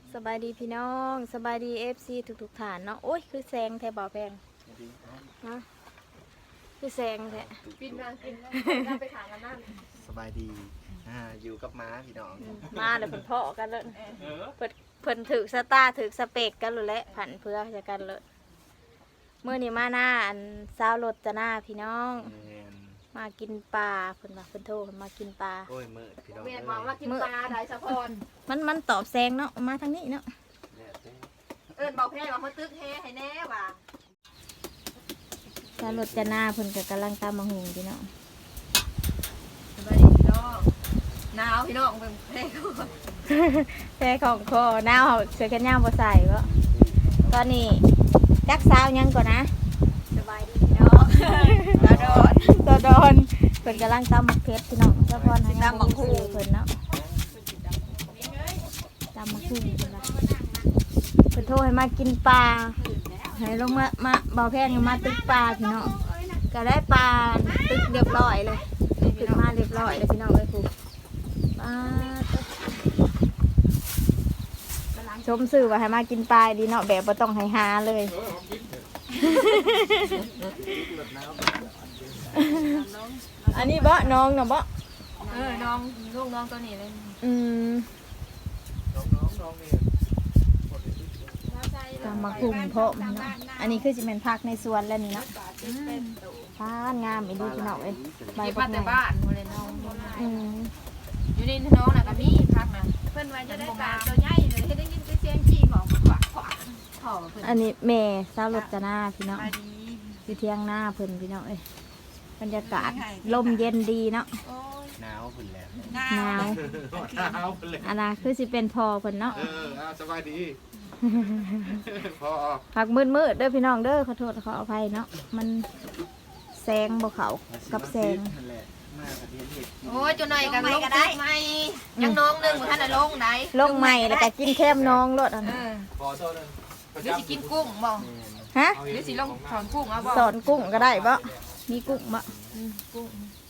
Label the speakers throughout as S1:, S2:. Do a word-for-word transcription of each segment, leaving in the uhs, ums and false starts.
S1: สบายดีพี่น้องสบายดีเอฟซีทุกๆฐานเนาะโอ้ยคือแซงแทบบ่แพงนะคือแซงแท้
S2: กินมากินแล้วไปถามกันนั่น
S3: สบายดีอ่าอยู่กับม้าพี่น้อง
S1: มาเดี๋ยวเพิ่นเพาะกันเลยเพิ่นเพิ่นถือสตาร์ถือสเปกกันเลยแหละผันเพื่อจะกันเลยเมื่อนี้มาหน้าอันสาวรถจะหน้าพี่น้องมากินปลาเพิ่นว่าเพิ่นโทรมากินปลา
S3: โอ้ยมืดพี่น้อง
S2: เมียนบอกว่ากินปลาได้สะพอน
S1: มันมันตอบแซงเนาะมาทางนี้เนาะ
S2: เอิ้นบอกแพ้ว่าเขาตึกแฮ่ให้แน่ว่ะ
S1: สาวรถจะหน้าเพิ่นก็กำลังตามมาหุงพี่น้อง
S2: สบายดีพี่น้องหนาวพี่น้องเป็นแพ้ก่อน
S1: แพ้ของคอหนาวเสื้อแขนยาวบ่ใส่บ่ตอนนี้จักสาวยังก่อนนะ
S2: สบายดีพี่น้องตาโดน
S1: ตาโดนเพิ่นกำลังตำหมักเพชรพี่น้องเจ้าพ่อให้ตำหมักคู่เพิ่นเนาะตำหมักคู่เพิ่นว่าเพิ่นโทรให้มากินปลาให้ลงมามาเบาแพงมาตึกปลาพี่น้องก็ได้ปลาตึกเรียบร้อยเลยตึกมาเรียบร้อยเลยพี่น้องเอ้ยครูปลาชมสื่อว่าให้มากินปลาดีเนาะแบบบ่ต้องให้หาเลยอันนี้บ่น้องเนาะบ่
S2: เออน้องลูกน้องตัวนี้เลย
S1: อืม
S3: น้องน้องน้องนี่
S1: ตำมาคุมเพาะเนาะอันนี้คือสิเป็นผักในสวนแล้วนี่เนาะทานงามอีดีพี่น้องเอ้ย
S2: ใบพัดแต่บ้านหมดเลยน้อง
S1: อืม
S2: อยู่ในน้องน่ะก็มีพักนะเพิ่นว่าจะได้ปลาตัวใหญ่เลยให้ได้ยินเสียงจี้หมอกขวาขวาถ่อเพิ่น
S1: อันนี้แม่สาวรถจะหน้าพี่น้องอยู่เที่ยงหน้าเพิ่นพี่น้องเอ้ยบรรยากาศลมเย็นดีเนาะ
S3: หนาวพุ่นแล้ว
S1: หนาว
S3: หนาวพุ่นแล้ว
S1: อันน่ะคือสิเป็นพอเพิ่นเนาะ
S3: เออสบายดีพอ
S1: ผักมืดๆเด้อพี่น้องเด้อขอโทษขออภัยเนาะมันแสงบ่เข้ากับแสง
S2: โอ้ยจุหน่อยกันลงได้ไหมยังน้องนึงท่านน่ะลงไหน
S1: ลงใหม่แล้วก็กินแคมน้องรถอันนั้น
S3: พอโทษนึง
S2: หรือสิกินกุ้งบ่
S1: ฮะ
S2: หรือสิลงถอนกุ้งเอาบ่
S1: สอนกุ้งก็ได้บ่มีกุ้งบ่
S2: กุ้ง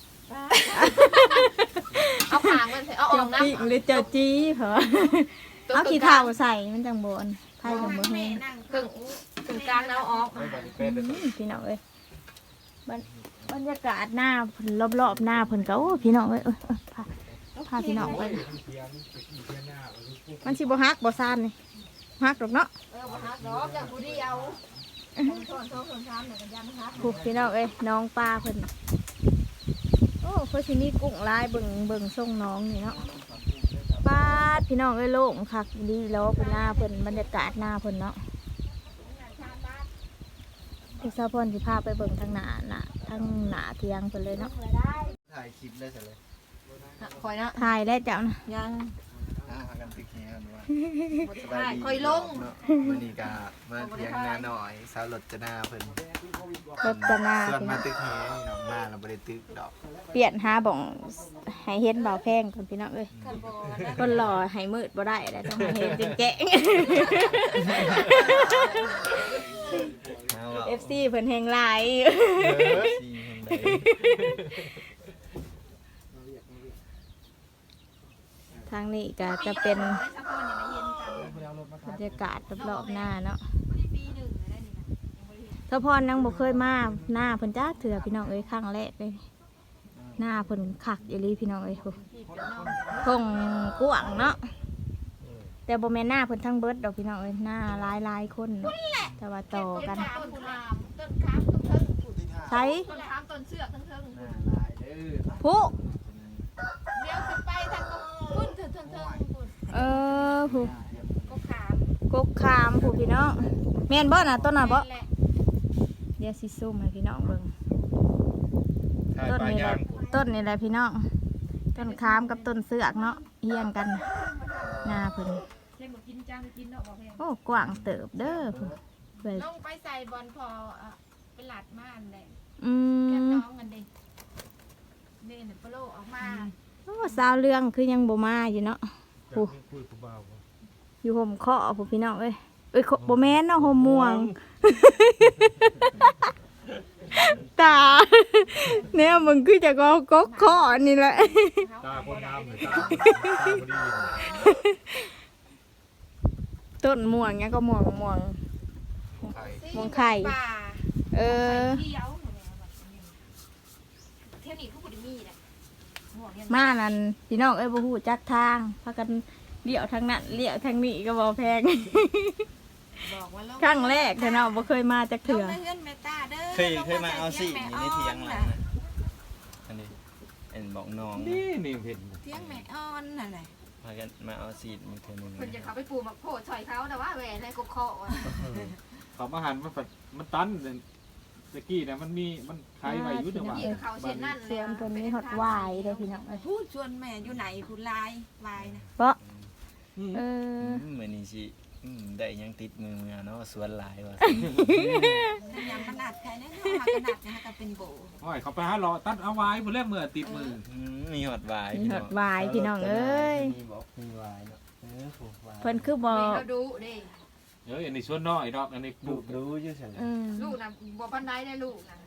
S2: เอาขางมันเอาออกนะ
S1: หรือเจ้าจี้เหรอเอาขี้เถ้าใส่มันจังบ่อนไผจังบ่แห้ง
S2: ครึ่งครึ่งกลางเอาออก
S1: พี่น้องเอ้ยบรรยากาศหน้าเพิ่นรอบๆหน้าเพิ่นก็โอ้พี่น้องเอ้ยเอ้ยพาพาพี่น้องไปมันสิบ่ฮักบ่ซ่านนี่ฮักดอกเนาะ
S2: เออบ่ฮักดอกอย่างผู้เดียวส่วนส่วนซ้ำเนี่ยกันยันฮัก
S1: ผูกพี่น้องเอ้ยน้องปลาเพิ่นโอ้เพิ่นสิมีกุ้งลายเบิ่งเบิ่งส่งน้องนี่เนาะปาดพี่น้องเอ้ยโล่งคักดีแล้วเพิ่นหน้าเพิ่นบรรยากาศหน้าเพิ่นเนาะพี่สาวพรสิพาไปเบิ่งทางหน้าน่ะทางหน้าเทียงเพิ่นเลยเนาะ
S3: ถ่ายคลิปได้เสร็จเลย
S2: คอยนะ
S1: ถ่ายได้เจ้านะ
S2: ยัง
S3: อ่ากันติ๊กแฮนว่า
S2: สบายดีคอยลง
S3: มื้อนี้ก็มาเลี้ยงนาหน่อยสาวรถจะหน้าเพิ่น
S1: รถจะหน้า
S3: ส่วนมาตึกแฮน้องมาเราบ่ได้ตึกดอก
S1: เปลี่ยนหาบ่องให้เห็นเบาแพงก่อนพี่น้องเอ้ยคนหล่อให้มืดบ่ได้แล้วต้องให้เห็นจริงแจ้ง เอฟ ซี เพิ่นแฮงหลายทางนี้ก็จะเป็นบรรยากาศรอบๆหน้าเนาะถ้าพรยังบ่เคยมาหน้าเพิ่นจ้าเถื่อพี่น้องเอ้ยครั้งแรกเลยหน้าเพิ่นคักอีหลีพี่น้องเอ้ยโหคงกว้างเนาะแต่บ่แม่นหน้าเพิ่นทั้งเบิดดอกพี่น้องเอ้ยหน้าหลายๆคนแต่ว่าต่อกันใช้ผู้
S2: เดี๋ยวขึ้นไปทางพุ่นเถิงเถิงเถิง
S1: เออผู้
S2: กกขาม
S1: กกขามผู้พี่น้องแม่นบ่น่ะต้นน่ะบ่เดี๋ยวสิซูมให้พี่น้องเบิ่งต้นนี้แหละต้นนี่แหละพี่น้องต้นขามกับต้นเสือกเนาะเฮียงกันหน้าเพิ่นโอ้กว้างเติบเด้อผู้
S2: ลงไปใส่บอลพอเป็นหลัดม่านเลย
S1: อืม
S2: น้องกันดินี่เนี่ยปลาออกมา
S1: โอ้สาวเรื่องคือยังบ่มาอยู่เนาะผู้อยู่ห่มเคาะผู้พี่น้องเอ้ยเอ้ยบ่แม่นเนาะห่มม่วงตาเนี่ยมึงคือจะก็ก๊กเคาะนี่แหละ
S3: ตาคนงามเลยตาตาพอดี
S1: ต้นม่วงเนี้ยก็ม่วงม่วง
S3: ไข่
S1: ม่วงไข่
S2: ป่า
S1: เออ
S2: เที่ยวเที่ยวนี้ผู้บุญมีแหละม่วงยัง
S1: มานั่นพี่น้องเอ้ยบ่ฮู้จักทางพากันเลี้ยวทางนั้นเลี้ยวทางนี้ก็บ่แพง
S2: บอกว่าลง
S1: ครั้งแรกแต่เนาะบ่เคยมาจัก
S2: ล
S1: เถื่
S2: ง
S1: อ
S2: ไปเฮือนแม่ตาเด้อ
S3: เคยเคยมาเอาสิอยู่ในเถียงหลังนะอันนี้เอ็นบอกน้องนะ
S4: นี่นี่เห็น
S2: เที่ยงแม่อ่อนนั่นแหละ
S3: พากันมาเอาสีมือเธอหนึ่ง
S2: เพิ่นจะเขาไปปลูกมักโพดซอยเขาแต่ว่าแหวนในกกเคาะอะ
S4: เขามาหันมันฝัดมันตันเลยตะกี้เนี่ยมันมีมันใครไว้อยุ่จังหวะ
S2: เกี่ยวเขาเส้นนั่น
S1: เสียงเพิ่นมีฮอดวายเด้อพี่น้องเอ้ย
S2: พูดชวนแม่อยู่ไหนผู้ลายวายนะ
S1: เพราะ
S4: อืม
S1: เออ
S3: เหมือนนี่สิอืมได้ยังติดมือมาเนาะสวนหลายว่ะ
S2: ยำขนาดใครเนี่ยขนาดนะก็เป็นโบ
S4: โอ้ยเขาไปหาหลอตัดเอาไว้เมื่อแรกเมื่อติดมือ
S3: อืมมีหอดวาย
S1: มีฮอดวายพี่น้องเอ้ย
S3: มีบอกมีวายเนาะเออผูกวาย
S1: เพิ่นคือบ่
S2: แม่เขาดูเด้
S4: เอ้ยอันนี้ส่วนน้อยดอกอันนี้ป
S3: ดู
S4: ลูก
S3: รู้อยู่ใช่ไหม
S1: อืม
S2: ลูกนะบ่ปันไดได้ลูกนะ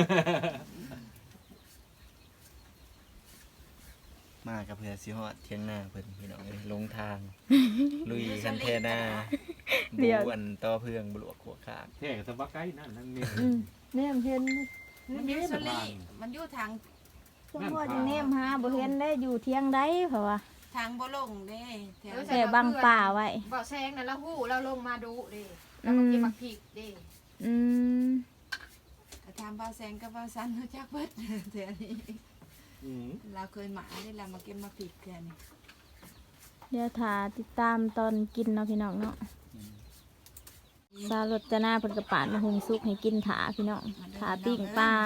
S3: มากับเพื่อสิฮอดเที่ยงหน้าเพิ่นพี่น้องเอ้ยลงทาง ลุยคันเทหน้าบวนต่อเพื่องบลวกหัวขาด
S4: แท่กับสบักไก่นั่นนั่นนี่
S1: อืมแนมเห็น
S2: มันอยู่สลีมันอยู่ทาง
S1: จังว่าจะแนมหาบ่เห็นได้อยู่เที่ยงใดเพราะว่า
S2: ทางบ่ลงเด้แถว
S1: แต่บังป่าไว้
S2: บ่แซงนั่นแล้วฮู้เราลงมาดูเด้แล้วมันกินมักพริกเด้
S1: อืม
S2: ทำบ่แซงกับบ่ซันรู้จักเบิดแถวนี้
S4: อืม
S2: เราเคยมาได้เรามาเก็บมักพริกกันนี่
S1: เดี๋ยวถาติดตามตอนกินเนาะพี่น้องเนาะสารสจนาเพิ่นกระปาดมาหุงซุกให้กินถาพี่น้องถาปิ้งปลา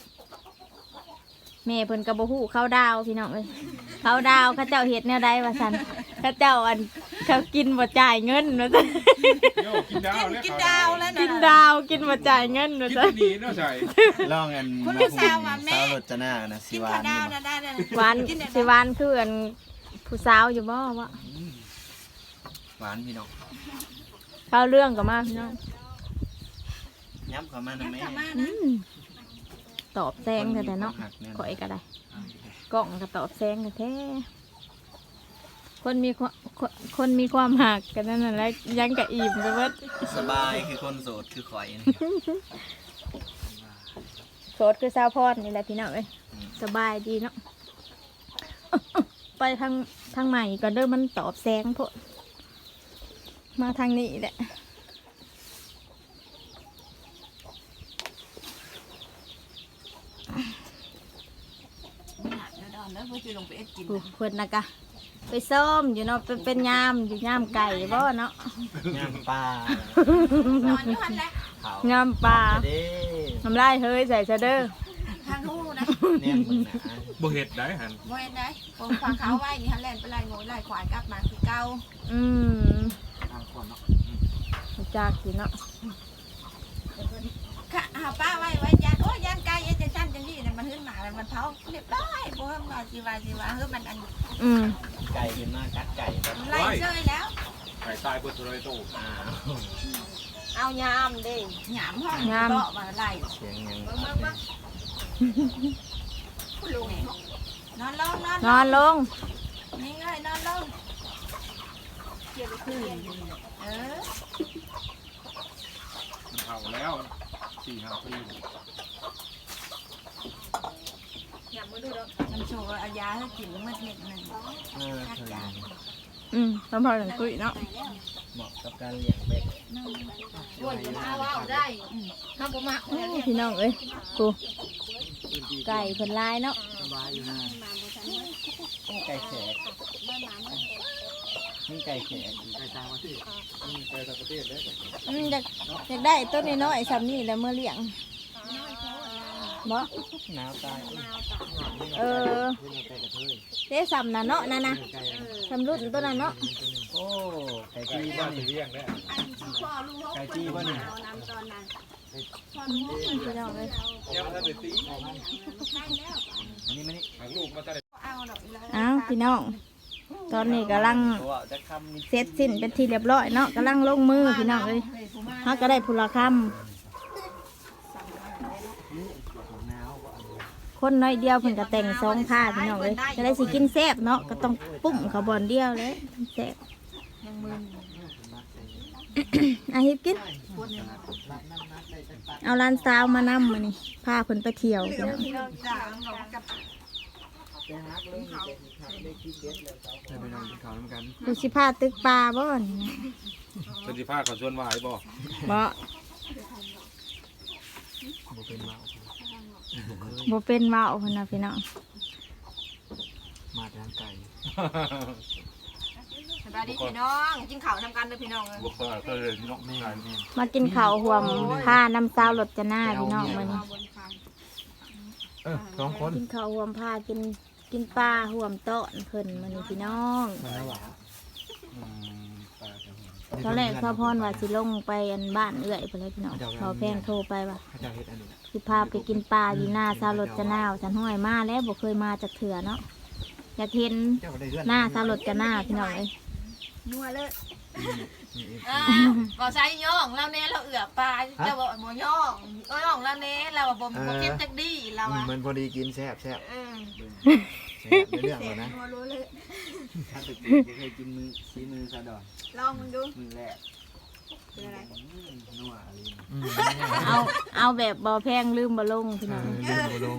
S1: แม่เพิ่นก็บ่ฮู้ข้าวดาวพี่น้องเอ้ยข้าวดาวเขาเจ้าเฮ็ดแนวใดว่าซั่นเขาเจ้าอันเขากินบ่จ่ายเงินว่าซั่น
S4: โยกินดาวแล้ว
S2: กินดาวแล้วนะ
S1: กินดาวกินบ่จ่ายเงินว่า
S4: กิน
S1: ซั่น
S4: ดีเนาะใช่
S3: ลองกัน
S2: คุณ
S3: มา
S2: ผู้
S3: หุง
S2: สาวว่าแม่
S3: สาวรจนานะสิ
S2: กิน
S3: วา
S2: ข้าวน ดา
S3: นี่
S2: ว
S3: บ่
S2: นะได้เลย
S1: หวานสิหวานคืออันผู้สาวอยู่บ่วะ
S3: หวานพี่น้อง
S1: เข้าเรื่องก็มาพี่น้อง
S3: ย้ำเข้ามานะแม่
S2: กลับมา
S1: อื
S2: นะ
S1: มตอบแซงแต่เนาะ ข่อยก็ได้กล่องก็ตอบแซงกันแท้คนมีความคนคนมีความหักกันนั่นแหละยังกะอิ่มไปเบิด
S3: สบายคือคนโสดคือข่อยนี่
S1: โสดคือสาวพอดนี่แหละพี่น้องเอ้ยสบายดีเนาะ ไปทางทางใหม่ก็เด้อมันตอบแซงพวกมาทางนี้แหละ
S2: ดอนแล้วเพื่อจะลงไปเอ็ดกิน
S1: ผู้เพิ่นนะกะไปส้มอยู่เนาะเป็นเป็นยามอยู่ยามไก่บ่เนาะ
S3: ย่างปลาน
S2: อนอยู่หันแหละ
S3: เผาย
S1: ามปลา
S3: เด้
S1: น้ำลายเฮ้ยใส่ซะเด้อ
S2: ทางหูนะ
S3: เนี่ยมึงหนา
S4: บ่เห็ดได้หัน
S2: โมเห็นได้ผมฟังเขาไว้นี่ฮันแลนไปไล่งูไล่ควายกลับมาคือเก่า
S1: อืม
S4: ทางก่อนเนาะ
S1: รู้จากสิเนาะ
S2: ค่ะหาป้าไว้ไว้ยันโอ้ยยันไก่ยันจะจันจังนี่เนี่ยมันหึ้นหมาแล้วมันเผาเรียบร้อยบ่เฮิ่มว่าสิว่าสิว่าเฮ้ยมันอัน
S1: อืม
S3: ไก่ขึ้นมากัดไก่แบบ
S2: ไล่เชยแล้ว
S4: ไก่ตายเปิดเลยโต
S3: อ้าว
S2: เอายามเด้หยามห้องเบาะมาไล่
S3: เสียงยัง
S2: เบิ่งเบิ่งเบิ่งคุณลุงนอนลงนอน
S1: นอนลง
S2: นี่ไงนอนลงเกี่ยวกับคืนเออ
S4: มันเผาแล้วสี่ห้าปี
S2: อย่ามาดูดอกมันโชว์เอายาให้กินเมื่อเม็ดหนึ่ง
S3: เออเคย
S1: อืมพอๆกันคุยเนาะ
S3: เหมาะกับการเลี้ยงเป็ด
S2: ปวดมาว่าได้ข้าวปมะ
S1: โอ้พี่น้องเอ้ยกูไก่เพิ่นลายเนาะ
S3: สบายอยู่นะไก่แขกนี่ไก่แขก
S4: ไก่ตางประเทศไก่ตางประเทศเลย
S1: อืมอยากอยากได้ต้นน้อยๆซ้ำนี่แหล้วเมื่อเลี้ยงบ่
S3: หนาวตาย
S1: เออ
S3: ไก่กระเทย
S1: เด้ซ้ำน่ะเนาะนั่นน่ะซ้ำรุ่นต้นน่ะเนาะ
S3: โอ้ไก่
S4: ไก่
S3: จี้
S4: บ้า
S3: บ้าน น
S4: ไปเลี้ยงได้
S3: ไก่จี้บ้านนี่
S1: พี่น้องเอ้ย
S4: ยังไม่ได้ตี
S3: อันนี้มันนี่
S4: หางลูกมาตั้งแต่
S2: เอาดอกเลย
S1: อ้าวพี่น้องตอนนี้กำลัง
S3: ตัวจะคำมี
S1: เสร็จสิ้นเป็นที่เรียบร้อยเนาะกำลังลงมือพี่น้องเอ้ยเฮาก็ได้พุละค
S3: หนาวก็
S1: ำคนน้อยเดียวเพิ่นก็แต่งสองผ้าพี่น้องเอ้ยจะได้สิกินแซ่บเนาะก็ต้องปุ้มเขาบอนเดียวเลยแซ่บ
S2: ยังมึน
S1: อาฮิปกินเอาร้านสาวมานำมานี่พาเพิ่นไปเที่ยวพี่น้อง
S2: พี่น้องจ๋าบอกกับ
S3: จะไปนอนกินข้าวน้ำกัน
S1: ดูสิพาตึกปลาบ่นี่นะ
S4: เป็นสิพาเขาชวนวายบ่
S1: บ่
S3: บ่เป็นเมา
S1: บ่เป็นเว้าเพิ่นน่ะพี่น้อง
S3: มาทางไก่
S2: สบายดีพี่น้องกินข้าวนำกันเลยพี่น้องเลย
S4: บ่เคยก็เลยน้องแม่แม่
S1: มากินข้าวห่วมผ้าน้ำสาวรถจะหน้าพี่น้องมื้อนี้
S4: เออสองคน
S1: กินข้าวห่วมผ้ากินกินปลาห่วมโต๊ะเพิ่นมื้อนี้พี่น้อง
S3: มาแล้วหวา
S4: อืมปลาจะหัว
S1: ตอนแรกพ่อพรว่าสิลงไปอันบ้านเอื้อยพุ่นเลยพี่น้องพอแพงโทรไปว่า
S3: เขาจะเฮ็ดอันนี้
S1: สิพาไปกินปลาอยู่หน้าสาวรถจะหน้าฉันห้อยมาแล้วบ่เคยมาจากเถื่อเนาะอยากเห็น
S3: เจ้าได้เฮือน
S1: หน้าสาวรถจะหน้าพี่น้องเอ้ย
S2: นัวเลย
S3: นี่เอง
S2: อ่าบ่ใช้ย่องแล้วแน่เราเอือปลาเจ้าบ่บ่ย่องเอ้ยย่องแล้วแน่เราบ่บ่เก็บจักดีเราอ่ะ
S3: มันพอดีกินแซ่บแซ่บ
S2: เออ
S3: แซ่บในเรื่องเลยนะ
S2: นัวรู้เลย
S3: ถ้าตึกจะเคยกินมือซีมือซะดอน
S2: ลองมึงดู
S3: มือแรก
S2: เป็นอะไร
S3: นัวอะไร
S1: เอาเอาแบบบ่แพงลืมบ่ลงพี่น้อง
S3: เดินบ่ลง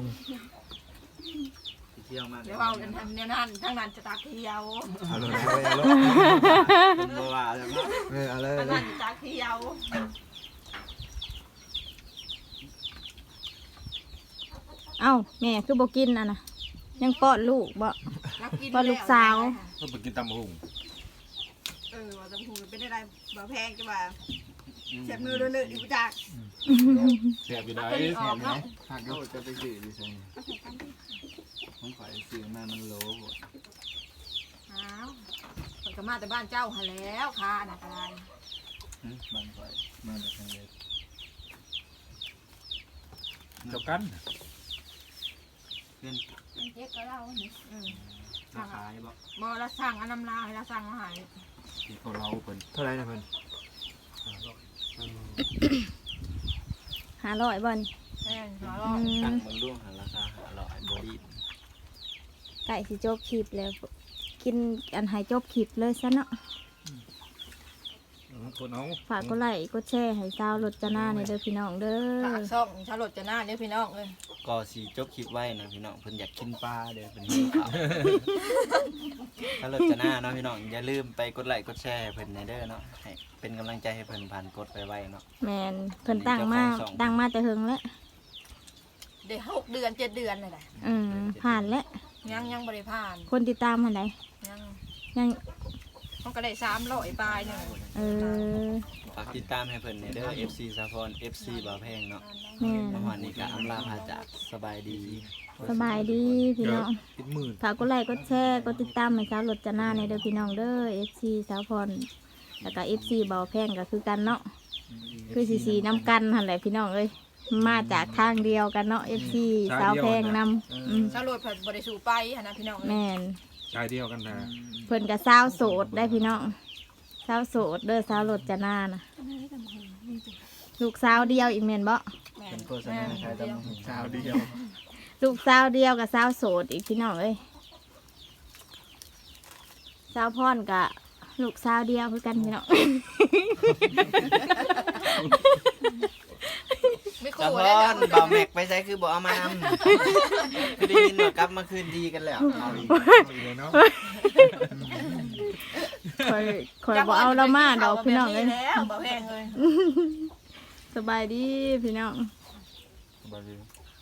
S3: เที่ยวมาก
S2: เดี๋ยวเอากันทางเดี๋ยวนั้นทางนั้นจะตักเที่ยว
S3: เอาเลยเอาเลยเป็นบ่ว่าแล้วเนาะเออเอาเลย
S2: ทางนั้นจะตักเที่ยว
S1: เอ้าแม่คือบ่กินอ่ะนะยังป้อนลูกบ่
S2: รักกิน
S1: ป้อนลูกสาว
S4: ก็ไปกินตำหุ่ง
S2: เออว่าตำหูเป็นอะไรบ่แพงจังว่าเจ็บมือเลยๆอยู่จัก
S4: แซ่บอยู่ได้
S2: เป็นออกเนาะ
S3: ผักโดจะไปซื้อดิซั่นผมขอซื้อมามันโลบ่
S2: อ้าวมันก็มาแต่บ้านเจ้าหาแล้วค่ะน่ะอะไร
S3: หึมันข่อยมาจากทางเล็ก
S4: เจ้ากัน
S3: เพื่อน
S2: เจ๊ก็เล่าว่านี่อืม
S3: มาขายบ่
S2: บ่ละสั่งอันน้ำลายละสั่งอาหาร
S4: ที่เขาเล่าเพิ่น
S3: เท่าไหร่นะเพิ่น
S1: ห้าร้อยบ่นี่
S2: แม่นหัว
S1: อื
S2: เราะ
S3: ตั้ง
S1: ม
S3: มึงดูหาราคาหาร้อยบ่ดี
S1: ไก่สิจบคลิปแล้ว กินอันให้จบคลิปเลยซะเนาะ
S4: คนเอา
S1: ฝากกดไลค์กดแชร์ให้สาวรถจะหน้าในเด้อพี่น้องเด้
S2: ฝา
S1: อก
S2: ซ่องชาลดจะหน้าเนี่ยพี่น้องเลย
S3: ก็สิจบคลิปไว้นะพี่น้องเพิ่นอยากกินปลาเด้อเพิ่นหิวข้าวถ้ารถจะหน้าเนาะพี่น้องอย่าลืมไปกดไลค์กดแชร์ให้เพิ่นในเด้อเนาะให้เป็นกำลังใจให้เพิ่นผ่านกดไปไว้เนาะ
S1: แมนเพิ่นตั้งมาตั้งมาแต่เฮิงแล้ว
S2: เดี๋ยวหกเดือนเจ็ดเดือนเลยแหละ
S1: อืมผ่านแล้ว
S2: ยังยังบริพาน
S1: คนติดตามหันใด
S2: ยัง
S1: ยัง
S2: มันก็ได้สามร้อยปลายหนึ่ง
S1: เออ
S3: ฝากติดตามให้เพิ่นในเด้อ เอฟ ซี สาพร เอฟ ซี บ่าวแพงเนาะ
S1: แม่น
S3: เมื่อวานนี้ก็อำลาพาจากสบายดี
S1: สบายดีพี่น้อง
S4: ติดหมื่น
S1: ฝากกดไลค์กดแชร์กดติดตามให้สาวรถจะหน้าในเด้อพี่น้องเด้อ เอฟ ซี สาวพรแล้วก็ เอฟ ซี เบาแพงก็คือกันเนาะคือสีสีน้ำกันหั่นแหละพี่น้องเอ้ยมาจากทางเดียวกันเนาะ เอฟ ซี สาวแพงนำอืม
S2: ชาลดเพิ่นบริสูไปหนนะพี่น้อง
S1: แม่น
S4: ชายเดียวกันนะ
S1: เพิ่นก็สาวโสดได้พี่น้องสาวโสดเด้อสาวรถจะหน้านะลูกสาวเดียวอีกแม่นบ่
S2: แม่
S3: เป็นโฆษณาขายตำบักหุ่งสาวเดียว
S1: ลูกสาวเดียวกับสาวโสดอีกพี่น้องเอ้ยสาวพรกับลูกสาวเดียวคือกันพี่น้อง
S2: ไม่
S3: สา
S2: คู่
S3: พ
S2: แล้ว
S3: ร
S2: นะ
S3: บ่าวแม็กไปใช้คือบ่เอามานำคือได้ยินว่ากลับมาคืนดีกันแล้วเอาอีก
S4: เลยเนาะ
S1: คอยคอยบอกเอาเรามาดอกพี่น้องเอ้ย
S2: แล้วบ่แพงเลย
S1: สบายดีพี่น้อง
S3: บ่ลืม